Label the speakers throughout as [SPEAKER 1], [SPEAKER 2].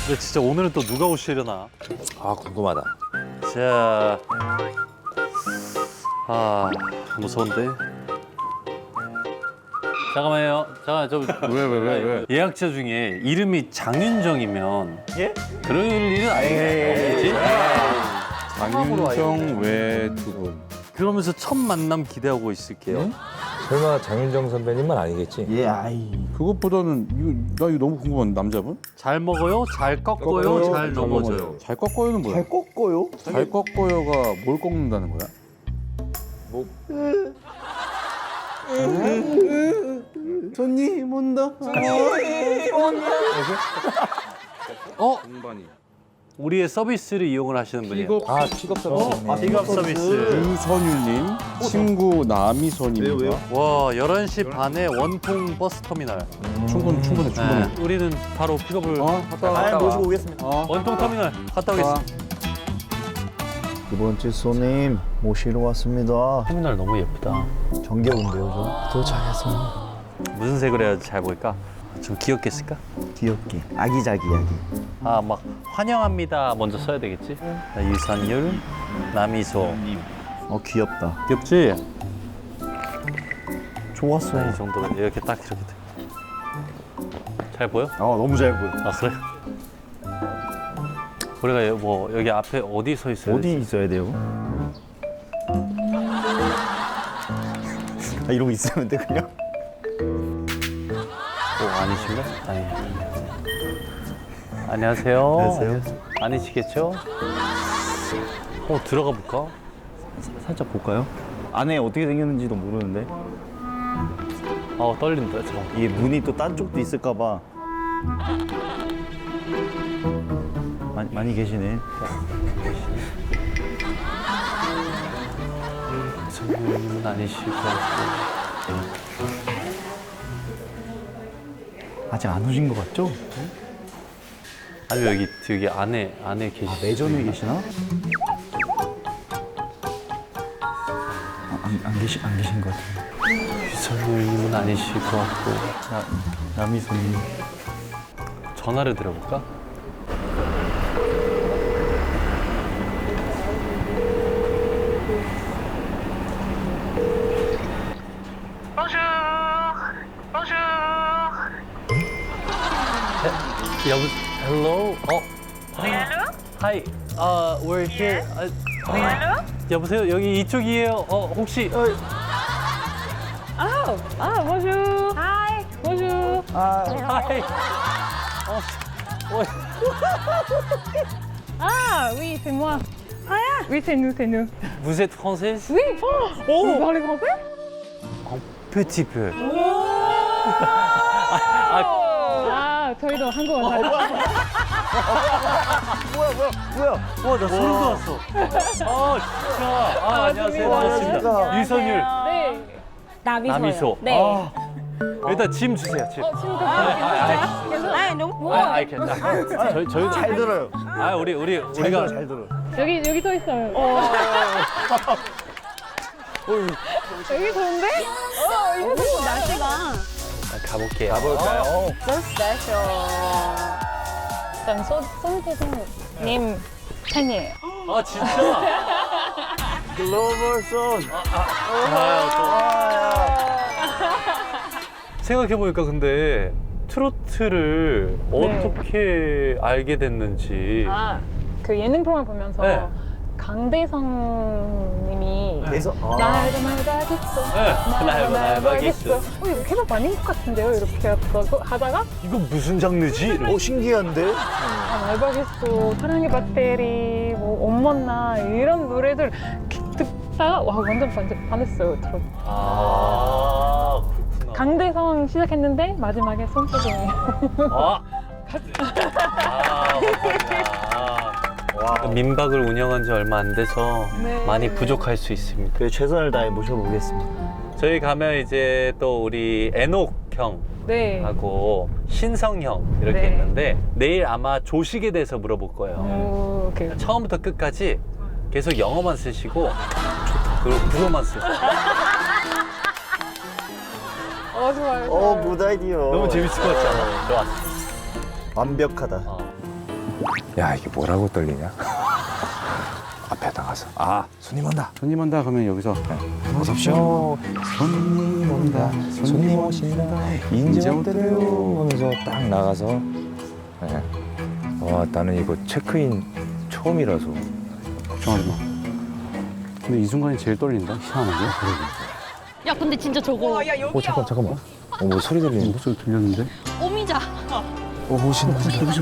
[SPEAKER 1] 근데 진짜 오늘은 또 누가 오시려나?
[SPEAKER 2] 아 궁금하다.
[SPEAKER 1] 자, 무서운데. 잠깐만요. 잠깐
[SPEAKER 2] 왜?
[SPEAKER 1] 예약자 중에 이름이 장윤정이면
[SPEAKER 3] 예?
[SPEAKER 1] 그럴 일은 아니겠지?
[SPEAKER 2] 장윤정 외 두 분.
[SPEAKER 1] 그러면서 첫 만남 기대하고 있을게요.
[SPEAKER 2] 설마 장윤정 선배님만 아니겠지?
[SPEAKER 3] 예, 아이.
[SPEAKER 4] 그것보다는 나 이거 너무 궁금한 남자분?
[SPEAKER 1] 잘 먹어요, 잘 꺾어요, 잘 넘어져요.
[SPEAKER 4] 넘어져요. 잘 꺾어요는 뭐야?
[SPEAKER 3] 잘 꺾어요?
[SPEAKER 4] 잘 꺾어요가 뭘 꺾는다는 거야?
[SPEAKER 3] 손님 온다.
[SPEAKER 1] 어?
[SPEAKER 4] 공반이.
[SPEAKER 1] 우리의 서비스를 이용을 하시는 분이에요.
[SPEAKER 2] 아 픽업 서비스.
[SPEAKER 1] 픽업 서비스.
[SPEAKER 4] 유선율님, 친구 남이선입니다.
[SPEAKER 3] 왜요?
[SPEAKER 1] 와, 11시 반에 원통 버스 터미널.
[SPEAKER 4] 충분해.
[SPEAKER 1] 네, 우리는 바로 픽업을
[SPEAKER 4] 갔다 와.
[SPEAKER 3] 아, 모시고 오겠습니다.
[SPEAKER 1] 원통 터미널 갔다 오겠습니다.
[SPEAKER 5] 두 번째 손님 모시러 왔습니다.
[SPEAKER 1] 터미널 너무 예쁘다.
[SPEAKER 5] 정겨운데요, 좀? 도착해서
[SPEAKER 1] 무슨 색으로 해야 잘 보일까? 좀 귀엽게 쓸까?
[SPEAKER 5] 귀엽게 아기자기하게.
[SPEAKER 1] 아, 막 환영합니다 먼저 써야 되겠지? 유선율, 남이소.
[SPEAKER 5] 귀엽다.
[SPEAKER 1] 귀엽지?
[SPEAKER 5] 좋았어.
[SPEAKER 1] 이 정도로 이렇게 딱 이렇게 돼. 잘 보여?
[SPEAKER 5] 너무 잘 보여.
[SPEAKER 1] 아, 그래? 우리가 뭐 여기 앞에 어디 서 있어요?
[SPEAKER 5] 어디 있어야 돼요? 이러고 있으면 돼 그냥.
[SPEAKER 1] 아니신가? 아니. 안녕하세요.
[SPEAKER 5] 안녕하세요.
[SPEAKER 1] 아니시겠죠? 들어가 볼까?
[SPEAKER 5] 살짝 볼까요? 안에 어떻게 생겼는지도 모르는데.
[SPEAKER 1] 떨린다. 잠깐.
[SPEAKER 5] 이게 문이 또 딴 쪽도 있을까봐. 많이 계시네.
[SPEAKER 1] 선생님은 아니시고.
[SPEAKER 5] 아직 안 오신 것 같죠?
[SPEAKER 1] 아니 여기 안에 계시.
[SPEAKER 5] 매점에 계시나? 안 계신 것 같아요.
[SPEAKER 1] 유선율님은 아니실 것 같고.
[SPEAKER 5] 남이손님.
[SPEAKER 1] 전화를 드려볼까? Hello?
[SPEAKER 6] Hello?
[SPEAKER 1] Hi. We're here.
[SPEAKER 6] Hello?
[SPEAKER 1] 여보세요? 여기 이쪽이에요. 혹시
[SPEAKER 6] Bonjour. Hi. Bonjour.
[SPEAKER 1] Hi.
[SPEAKER 6] Oui, c'est moi. Oui, c'est nous.
[SPEAKER 1] Vous êtes française?
[SPEAKER 6] Oui. Vous parlez français?
[SPEAKER 1] Petit peu.
[SPEAKER 6] 저희도 한국어 잘.
[SPEAKER 1] 와, 나 소름 돋았어. 진짜. 안녕하세요. 반갑습니다. 유선율.
[SPEAKER 6] 네.
[SPEAKER 1] 남이소.
[SPEAKER 6] 네.
[SPEAKER 1] 일단 짐 주세요. 짐.
[SPEAKER 6] 지금 괜찮아요?
[SPEAKER 1] 괜찮아. 저희
[SPEAKER 5] 잘 들어요.
[SPEAKER 1] 우리가
[SPEAKER 5] 잘 들어.
[SPEAKER 6] 여기 서 있어요. 여기 좋은데? 이거 날씨가.
[SPEAKER 1] 가볼게요.
[SPEAKER 2] 가볼까요?
[SPEAKER 6] So special. 일단 손재성님 팬이에요.
[SPEAKER 1] 진짜?
[SPEAKER 5] 글로벌 손.
[SPEAKER 1] 생각해보니까 근데 트로트를 어떻게 알게 됐는지.
[SPEAKER 6] 그 예능 프로그램 보면서
[SPEAKER 1] 네.
[SPEAKER 6] 강대성님이
[SPEAKER 5] 그래서
[SPEAKER 6] 날도 말박있어.
[SPEAKER 1] 날도 말박있어.
[SPEAKER 6] 이거 케이팝 아닌 것 같은데요? 이렇게 하다가
[SPEAKER 1] 이거 무슨 장르지?
[SPEAKER 5] 신기한데?
[SPEAKER 6] 말박있어, 사랑의 배터리, 뭐 엄마나 이런 노래들 듣다가 와 완전 반했어요. 트로트.
[SPEAKER 1] 그렇구나.
[SPEAKER 6] 강대성 시작했는데 마지막에 손재성이.
[SPEAKER 1] 민박을 운영한 지 얼마 안 돼서
[SPEAKER 6] 네.
[SPEAKER 1] 많이 부족할 수 있습니다.
[SPEAKER 5] 그래 최선을 다해 모셔보겠습니다.
[SPEAKER 1] 저희 가면 이제 또 우리 애녹
[SPEAKER 6] 네.
[SPEAKER 1] 형하고 신성 형 이렇게
[SPEAKER 6] 네.
[SPEAKER 1] 있는데 내일 아마 조식에 대해서 물어볼 거예요.
[SPEAKER 6] 오, 오케이.
[SPEAKER 1] 처음부터 끝까지 계속 영어만 쓰시고 그리고 국어만 쓰세요.
[SPEAKER 6] 좋아요.
[SPEAKER 5] 굿 아이디어.
[SPEAKER 1] 너무 재밌을 것 같지 않아? 좋았어.
[SPEAKER 5] 완벽하다.
[SPEAKER 2] 야, 이게 뭐라고 떨리냐? 앞에 나가서 손님 온다.
[SPEAKER 4] 손님 온다 그러면 여기서
[SPEAKER 2] 어서 오십시오. 손님 온다. 손님 오신다. 인제 왔대요. 하면서 딱 나가서 네. 와, 나는 이거 체크인 처음이라서
[SPEAKER 4] 걱정하지 마. 근데 이 순간이 제일 떨린다. 희한하게.
[SPEAKER 7] 야 근데 진짜 저거
[SPEAKER 2] 잠깐만. 뭐 소리 들리는데?
[SPEAKER 4] 목소리 들렸는데?
[SPEAKER 7] 오미자.
[SPEAKER 2] 오신다.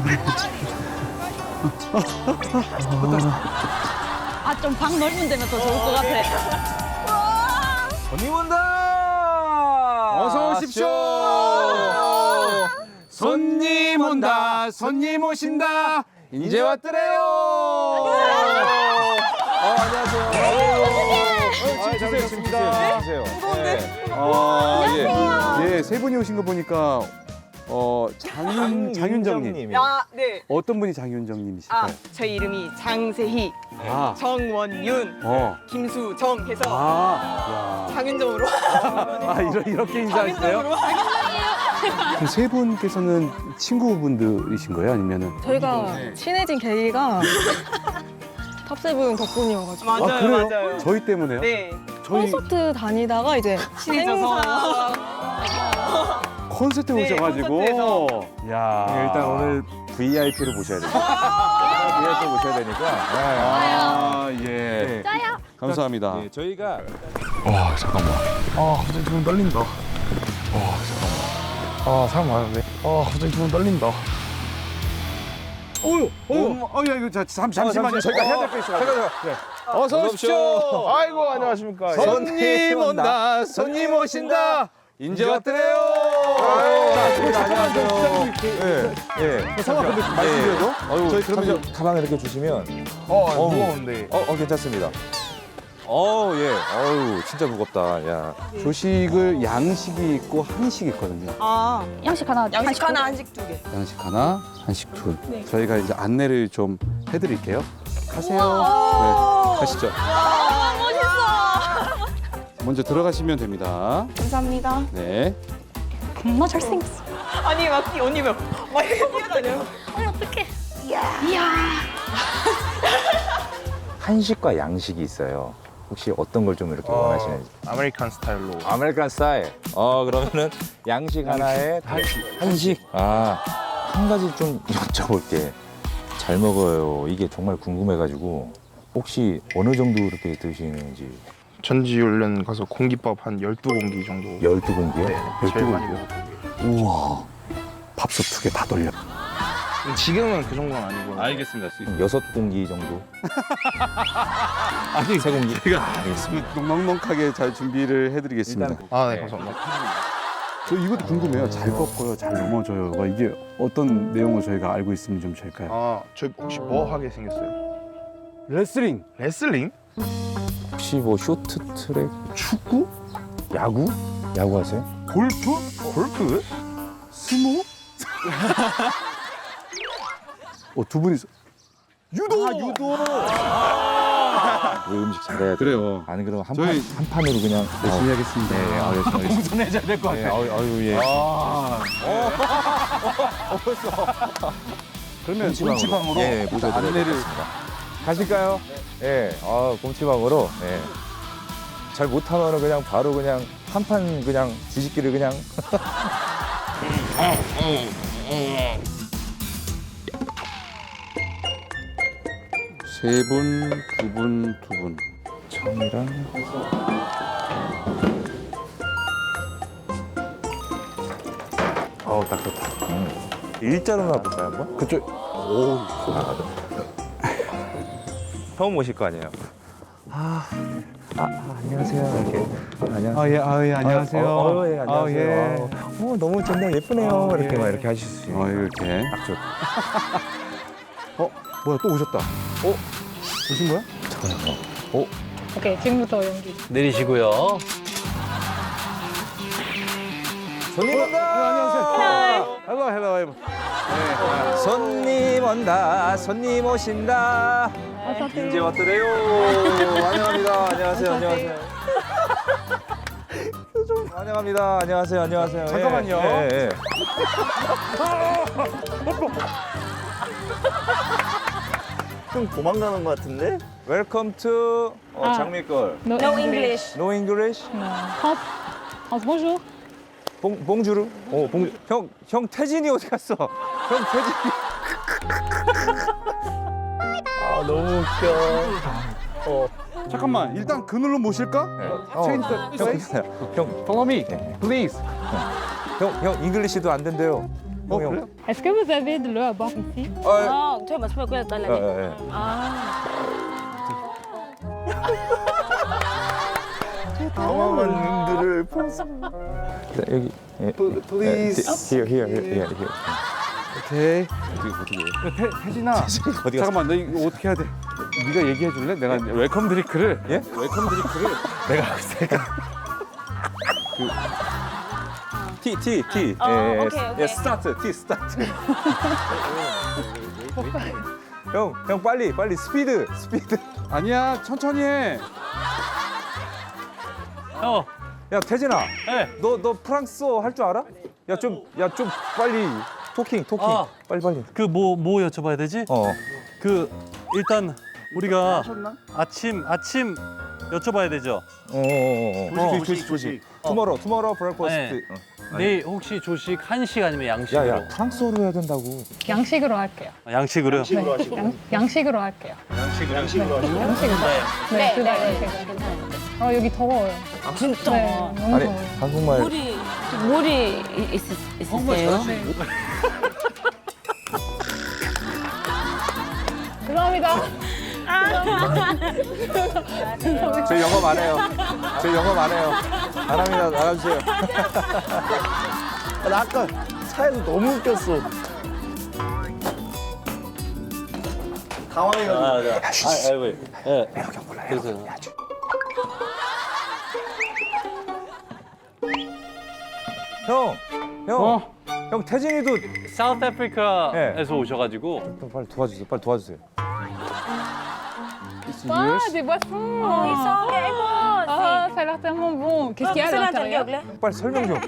[SPEAKER 7] 아 좀 방 넓은 데면 더 좋을 것 같아.
[SPEAKER 2] 손님 온다.
[SPEAKER 4] 어서 오십시오. 손님 온다. 손님 오신다. 이제 왔더래요.
[SPEAKER 2] 안녕하세요. 잘 오셨습니다. 주세요.
[SPEAKER 4] 예, 세 분이 오신 거 보니까 장윤정님.
[SPEAKER 8] 아, 네.
[SPEAKER 4] 어떤 분이 장윤정님이실까요?
[SPEAKER 8] 아, 제 이름이 장세희,
[SPEAKER 4] 아,
[SPEAKER 8] 정원윤, 김수정 해서 장윤정으로.
[SPEAKER 4] 이렇게 인사하셨어요? 그럼 세 분께서는 친구분들이신 거예요? 아니면은?
[SPEAKER 9] 저희가 친해진 계기가 탑세븐 덕분이어가지고
[SPEAKER 8] 맞아요,
[SPEAKER 4] 그래요?
[SPEAKER 8] 맞아요.
[SPEAKER 4] 저희 때문에요?
[SPEAKER 8] 네.
[SPEAKER 4] 저희
[SPEAKER 9] 콘서트 다니다가 이제
[SPEAKER 8] 친해져서.
[SPEAKER 4] 콘서트
[SPEAKER 8] 네,
[SPEAKER 4] 오셔가지고.
[SPEAKER 8] 콘서트에서.
[SPEAKER 4] 야.
[SPEAKER 2] 일단 오늘 VIP를 모셔야 됩니다. VIP를 모셔야 되니까.
[SPEAKER 4] 아, 예.
[SPEAKER 2] 네.
[SPEAKER 7] 짜요.
[SPEAKER 4] 감사합니다.
[SPEAKER 2] 네, 저희가
[SPEAKER 3] 잠깐만. 갑자기 좀 떨린다. 잠깐만. 사람 많은데. 갑자기 좀 떨린다.
[SPEAKER 4] 야, 이거 잠시만요.
[SPEAKER 2] 저희가 해야 될 게 있어요. 잠깐.
[SPEAKER 3] 어서 오십시오. 아이고, 안녕하십니까.
[SPEAKER 2] 손님 온다. 손님 오신다. 인제 왔더래요. 안녕하세요. 예.
[SPEAKER 4] 성함 근데 말씀드려도?
[SPEAKER 2] 저희 그러면 가방 이렇게 주시면
[SPEAKER 3] 무거운데.
[SPEAKER 2] 괜찮습니다. 예. 진짜 무겁다. 야.
[SPEAKER 4] 조식을 양식이 있고 한식이 있거든요.
[SPEAKER 8] 아,
[SPEAKER 7] 양식 하나.
[SPEAKER 8] 양식 하나, 한식 두 개.
[SPEAKER 4] 양식 하나, 한식 둘. 저희가 이제 안내를 좀 해드릴게요. 가세요. 네, 가시죠.
[SPEAKER 7] 와 멋있어.
[SPEAKER 4] 먼저 들어가시면 됩니다.
[SPEAKER 8] 감사합니다.
[SPEAKER 4] 네.
[SPEAKER 7] 겁나 잘생겼어.
[SPEAKER 8] 아니, 막 언니 막 이렇게 뛰어다녀요.
[SPEAKER 7] 아니 어떡해. 이야.
[SPEAKER 2] 한식과 양식이 있어요. 혹시 어떤 걸 좀 이렇게 원하시는지?
[SPEAKER 3] 아메리칸 스타일로.
[SPEAKER 2] 아메리칸 스타일. 그러면은 양식 하나에 한식. 한 가지 좀 여쭤볼게. 잘 먹어요. 이게 정말 궁금해가지고 혹시 어느 정도 이렇게 드시는지.
[SPEAKER 3] 전지훈련 가서 공깃밥 한 12공기 정도.
[SPEAKER 2] 12공기요?
[SPEAKER 3] 네, 제일 많이 먹었던 게.
[SPEAKER 4] 우와. 밥솥 2개 다 돌려.
[SPEAKER 3] 지금은 그 정도는 아니고.
[SPEAKER 4] 알겠습니다.
[SPEAKER 2] 6공기 정도? 아니, 3공기? 알겠습니다.
[SPEAKER 4] 넉넉하게 잘 준비를 해드리겠습니다.
[SPEAKER 3] 네,
[SPEAKER 2] 네.
[SPEAKER 3] 감사합니다.
[SPEAKER 4] 저 이것도 궁금해요. 잘 꺾어요, 잘 넘어져요가 이게 어떤 내용을 저희가 알고 있으면 좀 좋을까요?
[SPEAKER 3] 저 혹시 뭐 하게 생겼어요?
[SPEAKER 4] 레슬링,
[SPEAKER 3] 레슬링?
[SPEAKER 2] 혹시 뭐 쇼트트랙?
[SPEAKER 4] 축구,
[SPEAKER 2] 야구? 야구 하세요?
[SPEAKER 4] 골프,
[SPEAKER 3] 골프?
[SPEAKER 4] 스모? 두 분이서 유도!
[SPEAKER 2] 왜 음식 잘해야 돼?
[SPEAKER 4] 그래요.
[SPEAKER 2] 아니, 그럼 한
[SPEAKER 4] 저희-
[SPEAKER 2] 판으로 그냥.
[SPEAKER 4] 열심히 하겠습니다.
[SPEAKER 2] 네, 열심히 하겠습니다.
[SPEAKER 4] 공손해져야 될 것
[SPEAKER 2] 네,
[SPEAKER 4] 같아요.
[SPEAKER 2] 예.
[SPEAKER 4] 그러면 곰치방으로
[SPEAKER 2] 예,
[SPEAKER 4] 일단
[SPEAKER 2] 모셔드리도록
[SPEAKER 4] 안내를
[SPEAKER 2] 하겠습니다. 가실까요? 예, 곰치방으로. 예. 잘 못하면 그냥 바로 그냥 한 판 그냥 뒤집기를 그냥.
[SPEAKER 4] 세 분, 두 분, 두 분.
[SPEAKER 2] 청이랑. 딱 좋다. 일자로나 볼까요, 한번?
[SPEAKER 4] 그쪽.
[SPEAKER 2] 처음 오실 거 아니에요? 안녕하세요. 이렇게. 안녕하세요.
[SPEAKER 4] 예, 안녕하세요.
[SPEAKER 2] 예, 안녕하세요. 너무 좋네, 예쁘네요.
[SPEAKER 4] 아,
[SPEAKER 2] 이렇게
[SPEAKER 4] 예.
[SPEAKER 2] 막 이렇게 하실 수 있어요.
[SPEAKER 4] 이렇게.
[SPEAKER 2] 딱 좋다.
[SPEAKER 4] 뭐야, 또 오셨다. 오신 거야?
[SPEAKER 6] 오케이 지금부터 연기.
[SPEAKER 1] 내리시고요.
[SPEAKER 2] 손님 온다.
[SPEAKER 4] 안녕하세요. 헬로.
[SPEAKER 2] 손님 온다. 손님 오신다. 이제 왔더래요. 환영합니다. 안녕하세요. 환영합니다. 안녕하세요.
[SPEAKER 4] 잠깐만요.
[SPEAKER 2] 예.
[SPEAKER 5] 좀 도망가는 것 같은데?
[SPEAKER 2] Welcome to
[SPEAKER 6] 아.
[SPEAKER 2] 장미걸.
[SPEAKER 6] No,
[SPEAKER 7] No English.
[SPEAKER 2] No English?
[SPEAKER 6] No. France. France, bonjour.
[SPEAKER 2] 봉주르? 봉주. 형 태진이 어디 갔어? 형 태진이.
[SPEAKER 1] 아, 너무 웃겨.
[SPEAKER 4] 잠깐만 일단 그늘로 모실까? Change the place.
[SPEAKER 2] 형,
[SPEAKER 4] Follow me, please.
[SPEAKER 2] 형 잉글리시도 안 된대요. 형,
[SPEAKER 4] 그래요?
[SPEAKER 6] Est-ce que vous avez de l'eau à boire ici?
[SPEAKER 7] 아, 저 마시면 그냥 달라네.
[SPEAKER 2] 예.
[SPEAKER 7] 아.
[SPEAKER 5] 당황한 눈들을
[SPEAKER 2] 여기.
[SPEAKER 5] Please.
[SPEAKER 2] Here.
[SPEAKER 4] 오케이.
[SPEAKER 2] 어떻게
[SPEAKER 4] 태진아.
[SPEAKER 2] 어디 갔어?
[SPEAKER 4] 잠깐만 너 이거 어떻게 해야 돼? 네가 얘기해 줄래? 내가 웰컴 드링크를
[SPEAKER 2] 예?
[SPEAKER 4] 웰컴 드링크를
[SPEAKER 2] 내가 할 테니까. 티.
[SPEAKER 7] 오케이.
[SPEAKER 2] 스타트. 형 빨리 스피드.
[SPEAKER 4] 아니야 천천히 해.
[SPEAKER 1] 형,
[SPEAKER 2] 야 태진아,
[SPEAKER 1] 네.
[SPEAKER 2] 너 프랑스어 할 줄 알아? 야 좀 빨리 토킹.
[SPEAKER 1] 아.
[SPEAKER 2] 빨리.
[SPEAKER 1] 그 뭐 여쭤봐야 되지? 그 일단 우리가 아침 여쭤봐야 되죠.
[SPEAKER 2] 조식. 투모로우 브렉퍼스트.
[SPEAKER 1] 네. 내일 혹시 조식 한식 아니면 양식으로?
[SPEAKER 2] 야 프랑스어로 해야 된다고.
[SPEAKER 6] 양식으로 할게요.
[SPEAKER 1] 양식으로요?
[SPEAKER 6] 양식으로 할게요. 양식으로 네, 둘 다 양식으로. 여기 더워요.
[SPEAKER 7] 진짜.
[SPEAKER 6] 네, 너무
[SPEAKER 2] 아니
[SPEAKER 6] 더워요.
[SPEAKER 2] 한국말.
[SPEAKER 7] 물이 있으세요?
[SPEAKER 6] 죄송합니다.
[SPEAKER 2] 저 영업 안 해요. 안 합니다. 나가주세요.
[SPEAKER 5] 나 아까 차에서 너무 웃겼어. 당황해가지고.
[SPEAKER 1] 아이고. 예. 그래서
[SPEAKER 2] 형 태진이도
[SPEAKER 1] 사우스 아프리카에서 오셔가지고
[SPEAKER 2] 빨리 도와주세요.
[SPEAKER 6] Ah, des boissons. Ah, ça a l'air tellement bon. Qu'est-ce qu'il y a à l'intérieur?
[SPEAKER 2] 빨리 설명 좀.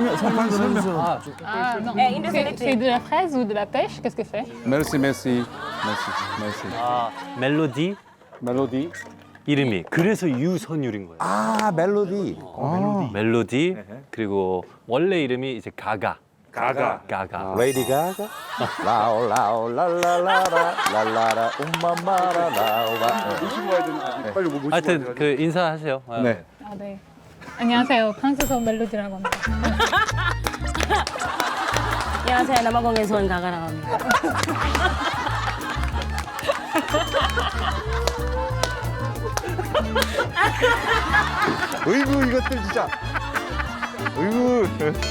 [SPEAKER 6] Ah, non. C'est de la fraise ou de la pêche? Qu'est-ce que c'est?
[SPEAKER 4] 메시.
[SPEAKER 1] 아 멜로디
[SPEAKER 4] 멜로디.
[SPEAKER 1] 이름이 그래서 유선율인 거예요.
[SPEAKER 2] 아 멜로디.
[SPEAKER 1] 멜로디 그리고 원래 이름이 이제 가가.
[SPEAKER 2] 레이디 가가. 라오 랄라라 um마마라 라오바.
[SPEAKER 4] 빨리 뭐 모시고
[SPEAKER 1] 하여튼 그 인사하세요.
[SPEAKER 4] 네.
[SPEAKER 6] 아, 네. 안녕하세요. 프랑스어 멜로디라고 합니다.
[SPEAKER 7] 안녕하세요. 남아공에서 온 가가라고 합니다.
[SPEAKER 2] 어이구 이것들 진짜. 어이구.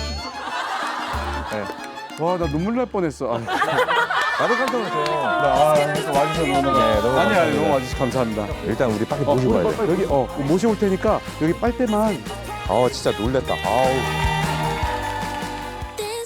[SPEAKER 4] 와 나 눈물 날 뻔했어. 아,
[SPEAKER 2] 나도 깜짝 놀랐어요.
[SPEAKER 4] 와주셔서 너무
[SPEAKER 2] 네, 너무
[SPEAKER 4] 아니 너무 와주셔서 감사합니다.
[SPEAKER 2] 일단 우리 빨리 모시고 가야 돼.
[SPEAKER 4] 여기 모시고 올 테니까 여기 빨대만
[SPEAKER 2] 진짜 놀랬다. 아우.